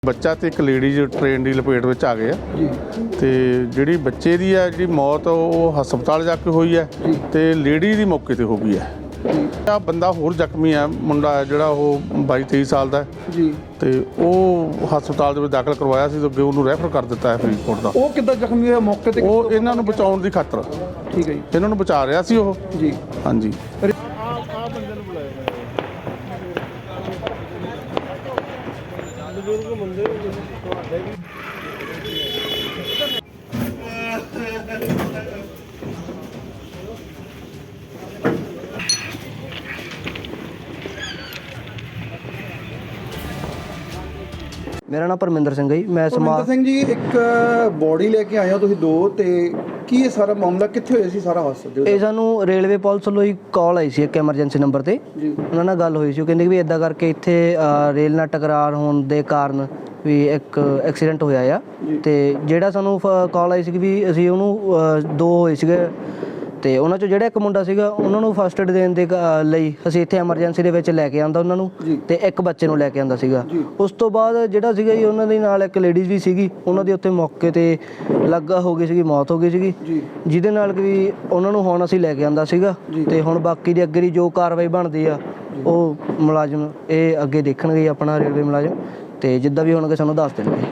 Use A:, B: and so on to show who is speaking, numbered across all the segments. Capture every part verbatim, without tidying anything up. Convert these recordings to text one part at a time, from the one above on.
A: ਬੱਚਾ ਤੇ ਇੱਕ ਲੇਡੀਜ਼ ਟ੍ਰੇਨ ਦੀ ਲਪੇਟ ਵਿੱਚ ਆ ਗਏ ਆ
B: ਜੀ
A: ਤੇ ਜਿਹੜੀ ਬੱਚੇ ਦੀ ਆ ਜਿਹੜੀ ਮੌਤ ਉਹ ਹਸਪਤਾਲ ਜਾ ਕੇ ਹੋਈ ਹੈ ਤੇ ਲੇਡੀ ਦੀ ਮੌਕੇ ਤੇ ਹੋ ਗਈ ਹੈ। ਆ ਬੰਦਾ ਹੋਰ ਜ਼ਖਮੀ ਆ, ਮੁੰਡਾ ਹੈ ਜਿਹੜਾ ਉਹ ਬਾਈ ਤੇਈ ਸਾਲ ਦਾ
B: ਜੀ
A: ਤੇ ਉਹ ਹਸਪਤਾਲ ਦੇ ਵਿੱਚ ਦਾਖਲ ਕਰਵਾਇਆ ਸੀ ਤੇ ਅੱਗੇ ਉਹਨੂੰ ਰੈਫਰ ਕਰ ਦਿੱਤਾ ਹੈ ਫਰੀਦਕੋਟ ਦਾ।
B: ਉਹ ਕਿੱਦਾਂ ਜ਼ਖਮੀ ਹੋਇਆ ਮੌਕੇ ਤੇ?
A: ਉਹ ਇਹਨਾਂ ਨੂੰ ਬਚਾਉਣ ਦੀ ਖਾਤਰ
B: ਠੀਕ ਹੈ ਜੀ,
A: ਇਹਨਾਂ ਨੂੰ ਬਚਾ ਰਿਹਾ ਸੀ ਉਹ
B: ਜੀ
A: ਹਾਂਜੀ।
C: मेरा नाम परमिंदर सिंह है जी। मैं
B: ਪਰਮਿੰਦਰ ਸਿੰਘ ਜੀ, ਇੱਕ ਬੋਡੀ ਲੈ ਕੇ ਆਏ ਹੋ ਤੁਸੀਂ ਦੋ, ਤੇ ਕੀ ਇਹ ਸਾਰਾ ਮਾਮਲਾ ਕਿੱਥੇ ਹੋਇਆ ਸੀ ਸਾਰਾ ਹਾਦਸਾ?
C: ਇਹ ਸਾਨੂੰ ਰੇਲਵੇ ਪੁਲਿਸ ਵੱਲੋਂ ਹੀ ਕਾਲ ਆਈ ਸੀ ਇੱਕ ਐਮਰਜੈਂਸੀ ਨੰਬਰ ਤੇ।
B: ਜੀ
C: ਉਹਨਾਂ ਨਾਲ ਗੱਲ ਹੋਈ ਸੀ, ਉਹ ਕਹਿੰਦੇ ਵੀ ਇਦਾਂ ਕਰਕੇ ਇੱਥੇ ਅ, ਰੇਲ ਨਾਲ ਟਕਰਾਰ ਹੋਣ ਦੇ ਕਾਰਨ ਵੀ ਇੱਕ ਐਕਸੀਡੈਂਟ ਹੋਇਆ ਆ। ਤੇ ਜਿਹੜਾ ਸਾਨੂੰ ਕਾਲ ਆਈ ਸੀ ਵੀ ਅਸੀਂ ਉਹਨੂੰ ਅ, ਦੋ ਹੋਏ ਸੀਗੇ ਤੇ ਉਹਨਾਂ ਚੋਂ ਜਿਹੜਾ ਇੱਕ ਮੁੰਡਾ ਸੀਗਾ ਉਹਨਾਂ ਨੂੰ ਫਸਟ ਏਡ ਦੇਣ ਦੇ ਅ, ਲਈ ਅਸੀਂ ਇੱਥੇ ਐਮਰਜੈਂਸੀ ਦੇ ਵਿੱਚ ਲੈ ਕੇ ਆਂਦਾ ਉਹਨਾਂ ਨੂੰ, ਤੇ ਇੱਕ ਬੱਚੇ ਨੂੰ ਲੈ ਕੇ ਆਂਦਾ ਸੀਗਾ। ਉਸ ਤੋਂ ਬਾਅਦ ਜਿਹੜਾ ਸੀਗਾ ਜੀ ਉਹਨਾਂ ਦੇ ਨਾਲ ਇੱਕ ਲੇਡੀਜ਼ ਵੀ ਸੀਗੀ, ਉਹਨਾਂ ਦੀ ਉੱਥੇ ਮੌਕੇ ਤੇ ਲੱਗਾ ਹੋ ਗਈ ਸੀਗੀ, ਮੌਤ ਹੋ ਗਈ ਸੀਗੀ, ਜਿਹਦੇ ਨਾਲ ਕਿ ਵੀ ਉਹਨਾਂ ਨੂੰ ਹੁਣ ਅਸੀਂ ਲੈ ਕੇ ਆਂਦਾ ਸੀਗਾ। ਤੇ ਹੁਣ ਬਾਕੀ ਦੀ ਅੱਗੇ ਦੀ ਜੋ ਕਾਰਵਾਈ ਬਣਦੀ ਆ ਉਹ ਮੁਲਾਜ਼ਮ ਇਹ ਅੱਗੇ ਦੇਖਣਗੇ ਆਪਣਾ ਰੇਲਵੇ ਮੁਲਾਜ਼ਮ, ਤੇ ਜਿੱਦਾਂ ਵੀ ਹੋਣਗੇ ਸਾਨੂੰ ਦੱਸ ਦੇਣਗੇ।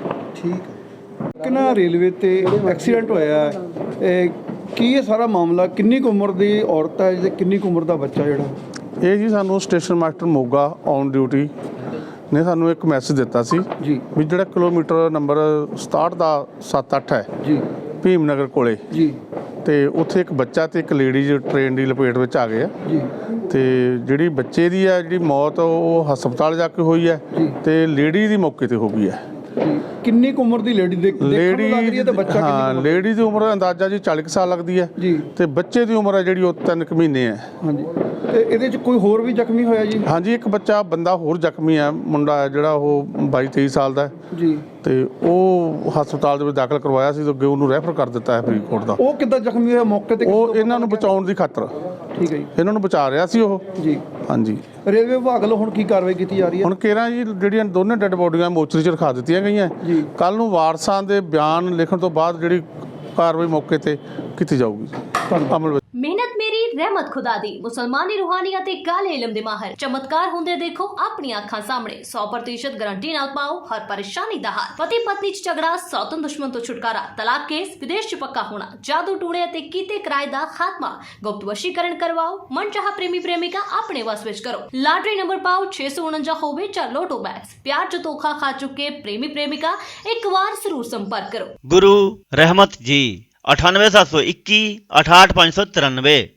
B: ਠੀਕ। ਕਿੰਨਾ ਰੇਲਵੇ ਤੇ ਐਕਸੀਡੈਂਟ ਹੋਇਆ, ਇਹ ਕੀ ਇਹ ਸਾਰਾ ਮਾਮਲਾ? ਕਿੰਨੀ ਕੁ ਉਮਰ ਦੀ ਔਰਤ ਹੈ ਤੇ ਕਿੰਨੀ ਕੁ ਉਮਰ ਦਾ ਬੱਚਾ ਜਿਹੜਾ?
A: ਇਹ ਜੀ ਸਾਨੂੰ station master Moga on duty ਨੇ ਸਾਨੂੰ ਇੱਕ ਮੈਸੇਜ ਦਿੱਤਾ ਸੀ
B: ਜੀ
A: ਵੀ ਜਿਹੜਾ ਕਿਲੋਮੀਟਰ ਨੰਬਰ ਸਤਾਹਠ ਦਾ ਸੱਤ ਅੱਠ ਹੈ
B: ਜੀ
A: ਭੀਮ ਨਗਰ ਕੋਲੇ,
B: ਜੀ
A: ਤੇ ਉੱਥੇ ਇੱਕ ਬੱਚਾ ਤੇ ਇੱਕ ਲੇਡੀਜ਼ ਟ੍ਰੇਨ ਦੀ ਲਪੇਟ ਵਿੱਚ ਆ ਗਏ ਆ
B: ਜੀ
A: ਤੇ ਜਿਹੜੀ ਬੱਚੇ ਦੀ ਆ ਜਿਹੜੀ ਮੌਤ ਉਹ ਹਸਪਤਾਲ ਜਾ ਕੇ ਹੋਈ ਹੈ ਤੇ ਲੇਡੀ ਦੀ ਮੌਕੇ ਤੇ ਹੋ ਗਈ ਹੈ।
B: ਕਿੰਨੀ ਕੁ ਉਮਰ ਦੀ ਲੇਡੀ ਦੇਖ ਲੱਗ ਰਹੀ ਹੈ ਤੇ ਬੱਚਾ
A: ਹਾਂ,
B: ਕਿੰਨੀ?
A: ਲੇਡੀ ਦੀ ਉਮਰ ਅੰਦਾਜ਼ਾ ਜੀ ਚਾਲੀ ਕੁ ਸਾਲ ਲੱਗਦੀ ਹੈ
B: ਜੀ
A: ਤੇ ਬੱਚੇ ਦੀ ਉਮਰ ਹੈ ਜਿਹੜੀ ਉਹ ਤਿੰਨ ਕੁ ਮਹੀਨੇ ਹੈ।
B: ਹਾਂਜੀ, ਤੇ ਇਹਦੇ ਚ ਕੋਈ ਹੋਰ ਵੀ ਜ਼ਖਮੀ ਹੋਇਆ ਜੀ?
A: ਹਾਂਜੀ, ਇੱਕ ਬੱਚਾ ਬੰਦਾ ਹੋਰ ਜ਼ਖਮੀ ਹੈ, ਮੁੰਡਾ ਹੈ ਜਿਹੜਾ ਉਹ ਬਾਈ ਤੇਈ ਸਾਲ ਦਾ
B: ਜੀ,
A: ਤੇ ਉਹ ਹਸਪਤਾਲ ਦੇ ਵਿੱਚ ਦਾਖਲ ਕਰਵਾਇਆ ਸੀ ਤੇ ਅੱਗੇ ਉਹਨੂੰ ਰੈਫਰ ਕਰ ਦਿੱਤਾ ਹੈ ਫਰੀਦਕੋਟ ਦਾ।
B: ਉਹ ਕਿੱਦਾਂ ਜ਼ਖਮੀ ਹੋਇਆ ਮੌਕੇ ਤੇ?
A: ਉਹ ਇਹਨਾਂ ਨੂੰ ਬਚਾਉਣ ਦੀ ਖਾਤਰ
B: ਠੀਕ ਹੈ ਜੀ,
A: ਇਹਨਾਂ ਨੂੰ ਬਚਾ ਰਿਹਾ ਸੀ ਉਹ
B: ਜੀ
A: ਹਾਂਜੀ।
B: ਰੇਲਵੇ ਵਿਭਾਗ ਵੱਲੋਂ ਹੁਣ ਕੀ ਕਾਰਵਾਈ ਕੀਤੀ ਜਾ ਰਹੀ ਹੈ?
A: ਹੁਣ ਕੇਰਾਂ ਜੀ ਜਿਹੜੀਆਂ ਦੋਨੇ ਡੈੱਡ ਬੋਡੀਆਂ ਮੋਚਰੀ 'ਚ ਰਖਾ ਦਿੱਤੀਆਂ ਗਈਆਂ।
B: ਜੀ
A: ਕੱਲ ਨੂੰ ਵਾਰਸਾਂ ਦੇ ਬਿਆਨ ਲਿਖਣ ਤੋਂ ਬਾਅਦ ਜਿਹੜੀ ਕਾਰਵਾਈ ਮੌਕੇ ਤੇ ਕੀਤੀ ਜਾਊਗੀ। ਅਮਲ ਵਿੱਚ
D: ਮਿਹਨਤ ਮੇਰੀ ਰਹਿਮਤ ਖੁਦਾ ਦੀ ਮੁਸਲਮਾਨੀ ਰੂਹਾਨੀਅਤ ਤੇ ਕਾਲੇ ਇਲਮ ਦੇ ਮਾਹਰ ਚਮਤਕਾਰ ਹੁੰਦੇ ਦੇਖੋ ਆਪਣੀ ਅੱਖਾਂ ਸਾਹਮਣੇ। ਸੌ ਪ੍ਰਤੀਸ਼ਤ ਗਾਰੰਟੀ ਨਾਲ ਪਾਓ ਹਰ ਪਰੇਸ਼ਾਨੀ ਦਾ ਹੱਲ। ਪਤੀ ਪਤਨੀ ਚ ਝਗੜਾ, ਸੌਤਨ ਦੁਸ਼ਮਣ ਤੋਂ ਛੁਟਕਾਰਾ, ਤਲਾਕ ਕੇਸ, ਵਿਦੇਸ਼ ਚ ਪੱਕਾ ਹੋਣਾ, ਜਾਦੂ ਟੂਣੇ ਅਤੇ ਕੀਤੇ ਕਿਰਾਏ ਦਾ ਖਾਤਮਾ, ਗੁਪਤ ਵਸ਼ੀਕਰਨ ਕਰਵਾਓ, ਮਨਚਾਹਾ ਪ੍ਰੇਮੀ ਪ੍ਰੇਮਿਕਾ ਆਪਣੇ ਵਸ ਵਿੱਚ ਕਰੋ। ਲਾਟਰੀ ਨੰਬਰ ਪਾਓ ਛੇ ਸੌ ਉਨੰਜਾ ਹੋਵੇ ਜਾਂ ਲੋਟੋ ਬੈਗਸ। ਪਿਆਰ ਚ ਧੋਖਾ ਖਾ ਚੁੱਕੇ ਪ੍ਰੇਮੀ ਪ੍ਰੇਮਿਕਾ ਇੱਕ ਵਾਰ ਜ਼ਰੂਰ ਸੰਪਰਕ ਕਰੋ।
E: गुरु रहमत जी अठानवे सात सौ इक्की अठाठ पाँच सौ तिरानवे।